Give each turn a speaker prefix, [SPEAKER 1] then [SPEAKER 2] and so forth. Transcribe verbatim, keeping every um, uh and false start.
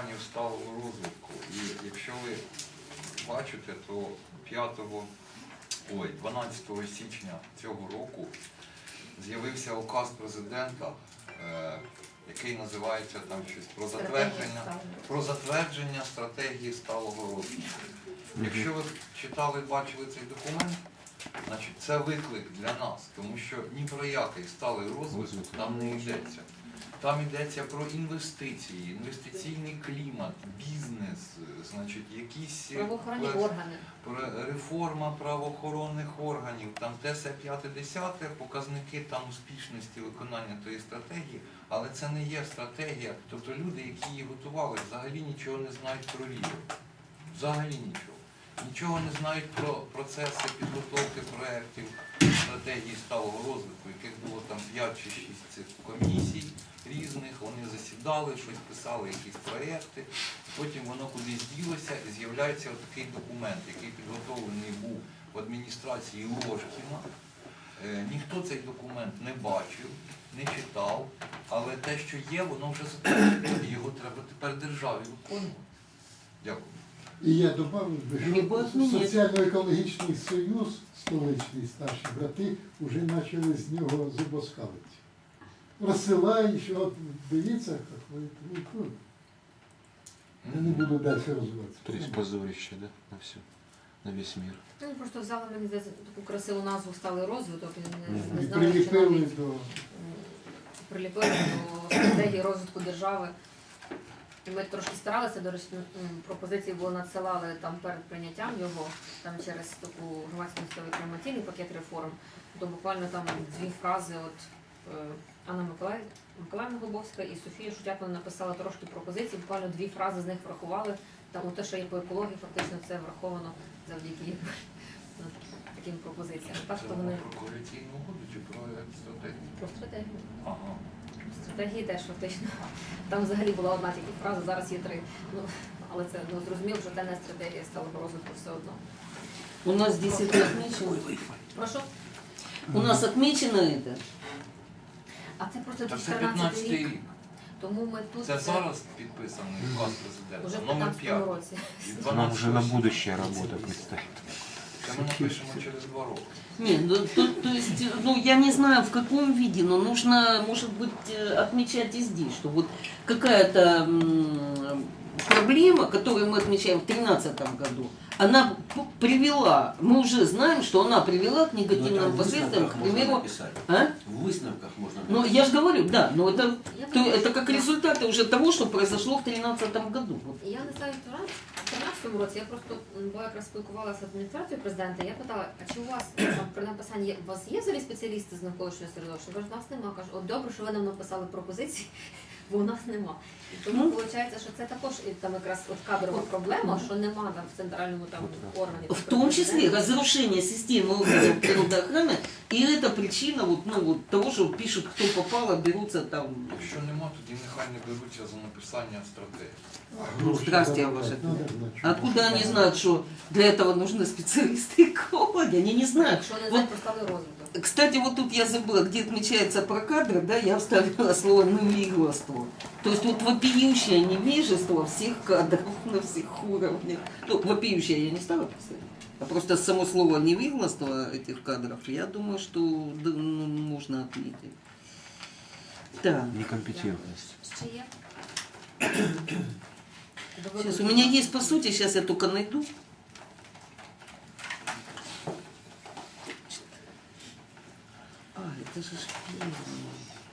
[SPEAKER 1] планів сталого розвитку. І якщо ви бачите, то п'ятого, ой, дванадцятого січня цього року з'явився указ президента, е, який називається там щось про затвердження, про затвердження стратегії сталого розвитку. Якщо ви читали, бачили цей документ, значить це виклик для нас, тому що ні про який сталий розвиток там не йдеться. Там йдеться про інвестиції, інвестиційний клімат, бізнес, значить, якісь
[SPEAKER 2] правоохоронні органи,
[SPEAKER 1] реформа правоохоронних органів, там те се п'яте десяте, показники там успішності виконання тієї стратегії, але це не є стратегія. Тобто люди, які її готували, взагалі нічого не знають про Ріо. Взагалі нічого. Нічого не знають про процеси підготовки проєктів стратегії сталого розвитку, яких було там п'ять чи шість цих комісій різних, вони засідали, щось писали, якісь проєкти, потім воно кудись ділося і з'являється такий документ, який підготовлений був в адміністрації Ложкіна. Е, ніхто цей документ не бачив, не читав, але те, що є, воно вже затверджено, і його треба тепер державі виконувати. Дякую.
[SPEAKER 3] І я добавив би, що Соціально-екологічний союз, столичний старші брати, вже почали з нього зубоскалити. Розсилають, що от дивіться, як ви, ви, ви. Я не буду далі розвиватися.
[SPEAKER 4] То есть позорище, да, на все, на весь мир.
[SPEAKER 2] ну просто взяли, мені здається, таку красиву назву «Сталий розвиток», і не, не
[SPEAKER 3] І
[SPEAKER 2] знали, чи
[SPEAKER 3] приліпили
[SPEAKER 2] навіть
[SPEAKER 3] до...
[SPEAKER 2] приліпили до стратегії розвитку держави. І ми трошки старалися, до речі, пропозиції було надсилали там перед прийняттям його, там через таку громадську інформаційний пакет реформ, то буквально там дві фрази, от е, Анна Миколаїв, Миколаївна Глобовська і Софія Шутякова написала трошки пропозицій, буквально дві фрази з них врахували, там те, що є по екології, фактично це враховано завдяки ну, таким пропозиціям. Так,
[SPEAKER 1] Це
[SPEAKER 2] то вони
[SPEAKER 1] про коаліційну угоду чи про стратегію?
[SPEAKER 2] про стратегію.
[SPEAKER 1] Ага.
[SPEAKER 2] Стратегії теж фактично. Там взагалі була одна тільки фраза, зараз є три. Ну, але це ну, зрозуміло, що це не стратегія сталого розвитку все одно.
[SPEAKER 5] У нас здесь это отмечено.
[SPEAKER 2] Прошу.
[SPEAKER 5] У нас отмечено это.
[SPEAKER 2] А це просто
[SPEAKER 1] Та це
[SPEAKER 2] чотирнадцятий
[SPEAKER 1] п'ятнадцятий
[SPEAKER 2] рік.
[SPEAKER 1] рік.
[SPEAKER 2] Тому ми тут
[SPEAKER 1] Це зараз підписаний указ президента,
[SPEAKER 2] уже в
[SPEAKER 1] номер
[SPEAKER 2] п'ятнадцятому
[SPEAKER 1] п'ять.
[SPEAKER 2] році.
[SPEAKER 1] І
[SPEAKER 4] Нам уже на
[SPEAKER 1] дванадцятого
[SPEAKER 4] будущее работа предстоит.
[SPEAKER 1] Це ми напишемо через два роки.
[SPEAKER 5] Нет, ну, то, то есть, ну, я не знаю в каком виде, но нужно, может быть, э, отмечать и здесь, что вот какая-то м, проблема, которую мы отмечаем в две тысячи тринадцатом году, она п- привела, мы уже знаем, что она привела к негативным последствиям, к примеру, а?
[SPEAKER 6] В висновках можна
[SPEAKER 5] Ну,
[SPEAKER 6] написати.
[SPEAKER 5] я же говорю, да, но это,
[SPEAKER 2] Я
[SPEAKER 5] то,
[SPEAKER 2] думаю,
[SPEAKER 5] это как
[SPEAKER 2] що-
[SPEAKER 5] результаты уже того, что произошло в две тысячи тринадцатом году. Вот.
[SPEAKER 2] Я не знаю, в тринадцятому році я просто м, бо якраз спілкувалася з адміністрацією президента, я питала, а чи у вас там, при написанні, є- у вас є взагалі спеціалісти з навколишнього середовища? Кажуть, нас нема. Кажуть, от добре, що ви нам написали пропозиції, бо у нас нема. І тому
[SPEAKER 5] Ну.
[SPEAKER 2] виходить, що це також і там якраз от кадрова проблема, що нема там в центральному там органі.
[SPEAKER 5] В том числе разрушение системы органов природоохраны, и это причина вот, ну, вот того, что пишут, кто попало, берутся там.
[SPEAKER 1] Якщо нема, тоді нехай не беруться за написання стратегії.
[SPEAKER 5] Ну, здрасте,
[SPEAKER 3] Надо
[SPEAKER 5] ваше.
[SPEAKER 3] знать, надо знать, что
[SPEAKER 5] Откуда они
[SPEAKER 3] это.
[SPEAKER 5] знают, что для этого нужны специалисты экологи? Они не знают.
[SPEAKER 2] Якщо не
[SPEAKER 5] Вот,
[SPEAKER 2] знаю про сталий розвиток.
[SPEAKER 5] кстати, вот тут я забыла, где отмечается про кадры, да, я вставила слово «невежество». То есть вот вопиющее невежество всех кадров на всех уровнях. Ну, вопиющее я не стала писать. А просто само слово невежество этих кадров, я думаю, что да, ну, можно отметить. Так.
[SPEAKER 4] Некомпетентность.
[SPEAKER 2] Ще є?
[SPEAKER 5] Сейчас, у меня есть по сути, сейчас я только найду. А, это же ж первое.